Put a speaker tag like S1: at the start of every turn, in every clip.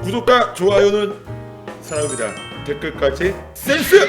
S1: 구독과 좋아요는 사랑입니다. 댓글까지 센스!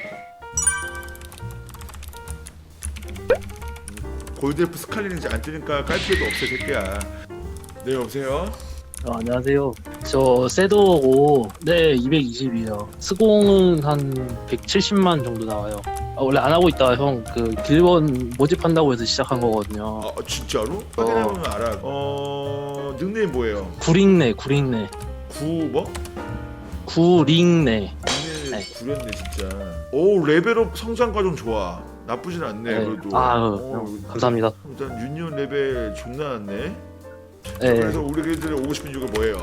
S1: 골드F 스칼리는지 안 뜨니까 깔 필요도 없어 새끼야. 네 여보세요?
S2: 안녕하세요. 저 섀도우고 네 220이요. 스공은 한 170만 정도 나와요. 원래 안 하고 있다가 형 그 길번 모집한다고 해서 시작한 거거든요.
S1: 아 진짜로? 확인해보면 알아. 닉네임 뭐예요?
S2: 구링네
S1: 구 뭐?
S2: 구링네.
S1: 닉네임
S2: 네.
S1: 구렸네 진짜. 오 레벨업 성장 과정 좋아. 나쁘진 않네
S2: 네.
S1: 그래도.
S2: 감사합니다.
S1: 일단 유니온 레벨 존나 낮네.
S2: 네.
S1: 그래서 우리 애들이 오고 싶은 이유가 뭐예요?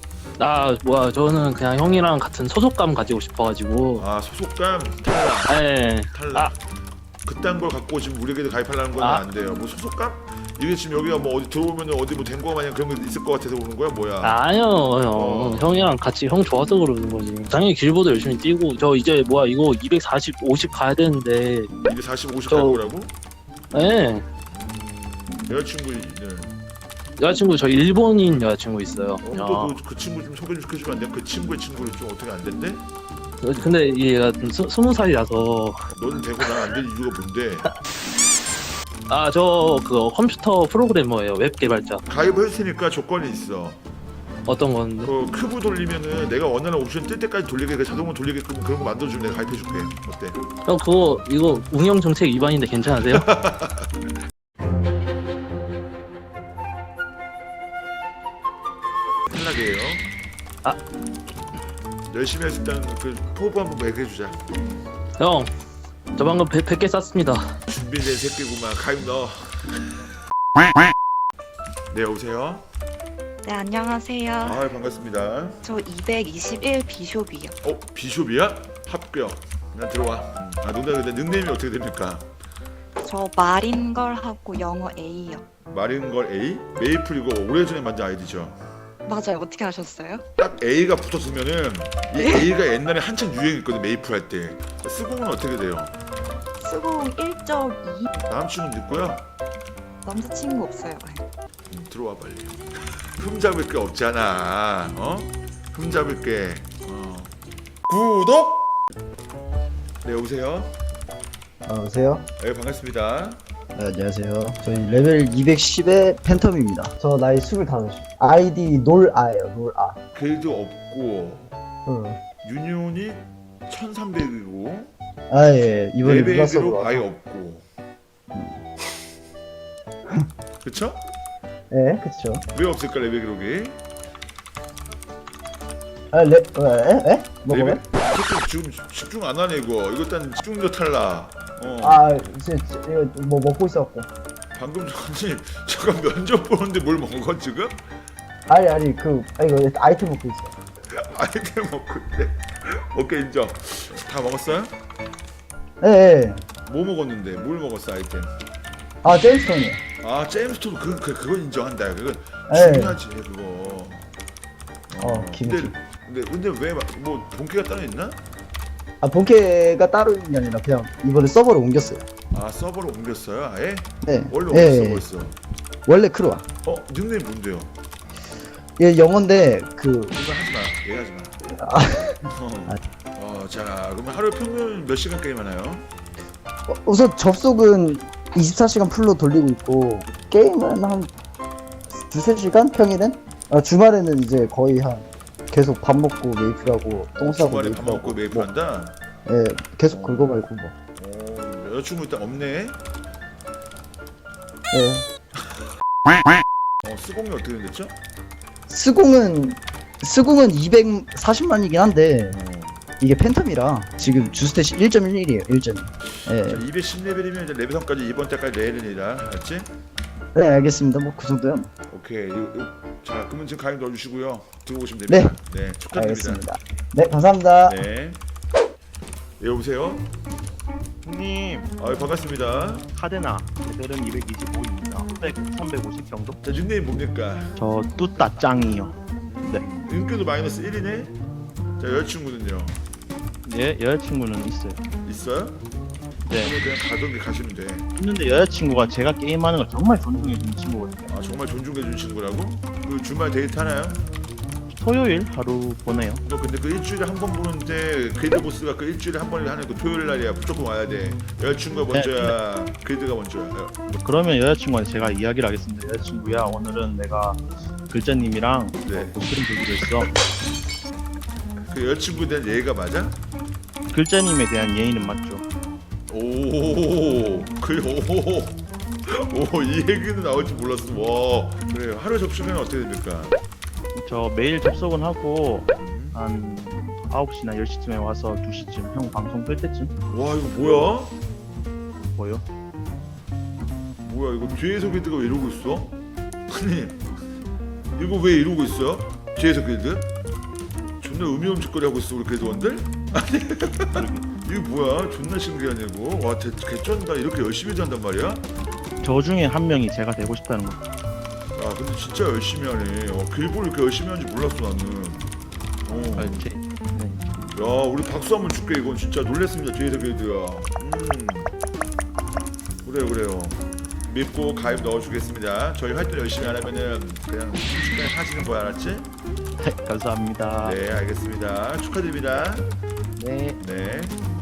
S2: 저는 그냥 형이랑 같은 소속감 가지고 싶어가지고.
S1: 아 소속감 탈락.
S2: 네.
S1: 탈락. 그딴 걸 갖고 지금 우리 애들 가입하려는 건 안 돼요. 뭐 소속감? 이게 지금 여기가 뭐 어디 들어오면 어디 뭐 된 거 마냥 그런 거 있을 것 같아서 오는 거야 뭐야?
S2: 아니요 형. 형이랑 같이 형 좋아서 그러는 거지. 당연히 길보도 열심히 뛰고 저 이제 이거 240, 50 가야 되는데.
S1: 240, 50 갈 거라고?
S2: 네.
S1: 여자친구는
S2: 여자친구 저 일본인 여자친구 있어요.
S1: 그 친구 좀 소개 좀 시켜주면 안 돼? 그 친구의 친구를 좀 어떻게 안 된대?
S2: 근데 얘가 20살이라서.
S1: 너는 되고 난 안 될 이유가 뭔데?
S2: 저 그거 컴퓨터 프로그래머예요. 웹 개발자.
S1: 가입을 했을 테니까 조건이 있어.
S2: 어떤 건데?
S1: 그 큐브 돌리면은 내가 원하는 옵션 뜰 때까지 돌리게 그 자동으로 돌리게끔 그런 거 만들어주면 내가 가입해줄게. 어때?
S2: 형 이거 운영 정책 위반인데 괜찮으세요?
S1: 탈락이에요.
S2: 아.
S1: 열심히 해서 일단 그 포부 한번 얘기해주자.
S2: 형, 저 방금 100개 쌌습니다.
S1: 준비된 새끼구만. 가입 넣어. 네 여보세요.
S3: 네, 안녕하세요.
S1: 아 반갑습니다.
S3: 저 221 비숍이요.
S1: 비숍이야? 합격. 난 들어와. 농담인데 닉네임이 어떻게 됩니까?
S3: 저 마린걸 하고 영어 A요.
S1: 마린걸 A? 메이플 이거 오래전에 만든 아이디죠?
S3: 맞아요. 어떻게 하셨어요?
S1: 딱 A가 붙었으면은 이 A가 옛날에 한창 유행했거든 메이플 할 때. 스공은 어떻게 돼요?
S3: 쓰고 1.2
S1: 남친은 있고요.
S3: 남자친구 없어요.
S1: 들어와 빨리. 흠잡을 게 없잖아. 흠잡을 게. 구독. 네 여보세요.
S4: 안녕하세요.
S1: 네 반갑습니다.
S4: 네, 안녕하세요. 저희 레벨 210의 팬텀입니다. 저 나이 25. 아이디 놀아예요. 놀아.
S1: 그래도 없고
S4: 응.
S1: 유니온이 1300이고
S4: 예. 이번에
S1: 레벨기록
S4: 눌렀어.
S1: 아예 없고. 그쵸?
S4: 예, 그쵸.
S1: 왜 없을까 레벨 기록이?
S4: 뭐가요?
S1: 지금 집중 안 하네 이거. 이거 일단 집중도 탈락.
S4: 이거 뭐 먹고 있었고.
S1: 방금 전에 잠깐 면접 보는데 뭘 먹어 지금?
S4: 아니, 이거 아이템 먹고 있어.
S1: 아이템 먹고 있대. 오케이 인정. 다 먹었어요?
S4: 예.
S1: 뭐 먹었는데? 뭘 먹었어 아이템?
S4: 제임스톤이요.
S1: 제임스톤 그건 인정한다. 그건
S4: 예.
S1: 중요하지 그거.
S4: 김치.
S1: 근데 왜 뭐 본캐가 따로 있나?
S4: 본캐가 따로 있는 게 아니라 그냥 이번에 서버를 옮겼어요.
S1: 서버로 옮겼어요 아예?
S4: 네.
S1: 원래
S4: 예,
S1: 어디
S4: 예.
S1: 서버였어?
S4: 원래 크루아.
S1: 닉네임 뭔데요?
S4: 얘 영어인데
S1: 그거 하지 마. 얘기하지 마. 자 그러면 하루 평균 몇 시간 게임 하나요?
S4: 우선 접속은 24시간 풀로 돌리고 있고 게임은 한 2-3시간 평일엔? 주말에는 이제 거의 계속 밥 먹고 메이플하고 똥 싸고
S1: 주말에 밥 먹고 메이플
S4: 뭐,
S1: 한다?
S4: 예, 계속 그거 말고 뭐.
S1: 여자친구 일단 없네?
S4: 예.
S1: 스공이 어떻게 됐죠?
S4: 스공은 240만이긴 한데 이게 팬텀이라 지금 주스탯이 1.11이에요. 1.1. 예.
S1: 210레벨이면 이제 레벨선까지 이번 달까지 내일이라 알았지?
S4: 네, 알겠습니다. 뭐 그 정도요.
S1: 오케이. 자 그러면 지금 가입 넣어주시고요. 들어오시면 됩니다. 네, 축하드립니다.
S4: 알겠습니다. 네, 감사합니다.
S1: 네. 여보세요?
S5: 형님
S1: 반갑습니다.
S5: 카데나 레벨은 225입니다. 350 정도?
S1: 자 닉네임 뭡니까?
S5: 저 뚜따짱이요.
S1: 인기도 마이너스 1이네? 자 여자친구는요?
S5: 예, 여자친구는 있어요.
S1: 있어요?
S5: 네.
S1: 그냥 가던 길 가시면 돼.
S5: 있는데 여자친구가 제가 게임하는 걸 정말 존중해주는 친구거든요.
S1: 정말 존중해주는 친구라고? 그 주말 데이트 하나요?
S5: 토요일 하루 보내요.
S1: 너 근데 그 일주일에 한 번 보는데 그레이드 보스가 그 일주일에 한 번을 하는 그 토요일 날이야. 무조건 와야 돼. 여자친구가 먼저야. 그레이드가 먼저야.
S5: 그러면 여자친구한테 제가 이야기를 하겠습니다. 여자친구야, 오늘은 내가 글자님이랑
S1: 네.
S5: 목소리 보기로 했어.
S1: 그 여자친구에 대한 예의가 맞아?
S5: 글자님에 대한 예의는 맞죠.
S1: 오, 이 얘기는 나올 줄 몰랐어. 와, 그래요. 하루 접수면 어떻게 됩니까?
S5: 저 매일 접속은 하고 한 9시나 10시쯤에 와서 2시쯤 형 방송 끌 때쯤
S1: 와, 이거 뭐야?
S5: 보여.
S1: 뭐야, 이거 뒤에서 길드가 왜 이러고 있어? 아니, 이거 왜 이러고 있어요? 뒤에서 길드? 존나 음이음직거리 하고 있어, 우리 길드원들? 아니, 이게 뭐야? 존나 신기하네, 이거. 와, 개쩐다. 이렇게 열심히 한단 말이야?
S5: 저 중에 한 명이 제가 되고 싶다는 거.
S1: 야, 근데 진짜 열심히 하네. 길보를 이렇게 열심히 하는지 몰랐어, 나는.
S5: 아,
S1: 야, 우리 박수 한번 줄게. 이건 진짜 놀랬습니다. 뒤에서 길드야. 그래요. 믿고 가입 넣어주겠습니다. 저희 활동 열심히 안 하면은 그냥 순식간에 사지는 거야, 알았지?
S5: 감사합니다.
S1: 네, 알겠습니다. 축하드립니다.
S5: 네.
S1: 네.